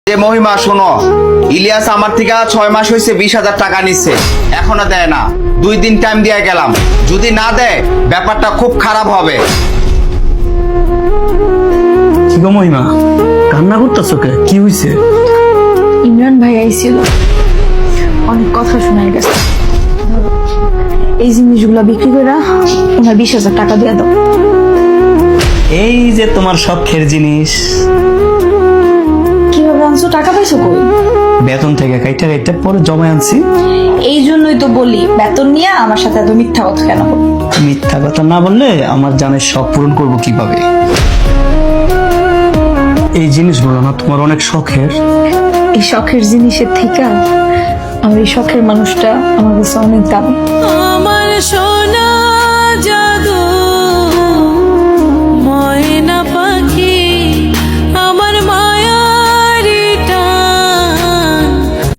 যে মহিমা শোনো, ইলিয়াস আমার থেকে 6 মাস হয়েছে 20,000 টাকা নিচ্ছে, এখনো দেয় না। 2 দিন টাইম দিয়ে গেলাম, যদি না দেয় ব্যাপারটা খুব খারাপ হবে। কি গো মহিমা, কান্না করতেছো কে? কি হয়েছে? ইমরান ভাই আইছিল, অনেক কথা শোনাই গেছে। এই জিনিসগুলো বিক্রি করে ওনার 20,000 টাকা দিয়ে দাও। এই যে তোমার শখের জিনিস, কিভাবে আনছো? টাকা পাইছো কই? বেতন থেকে কাইটা কাইটা পরে জমা আনছি। এই জন্যই তো বলি, বেতন নিয়ে আমার সাথে এত মিথ্যা কথা কেন বলো? মিথ্যা কথা না বললে আমার জানের শখ পূরণ করবো কিভাবে? এই জিনিসগুলো না তোমার অনেক শখের। এই শখের জিনিসের থেকে আমার এই শখের মানুষটা আমার কাছে অনেক দামি। আমার সোনা জাদু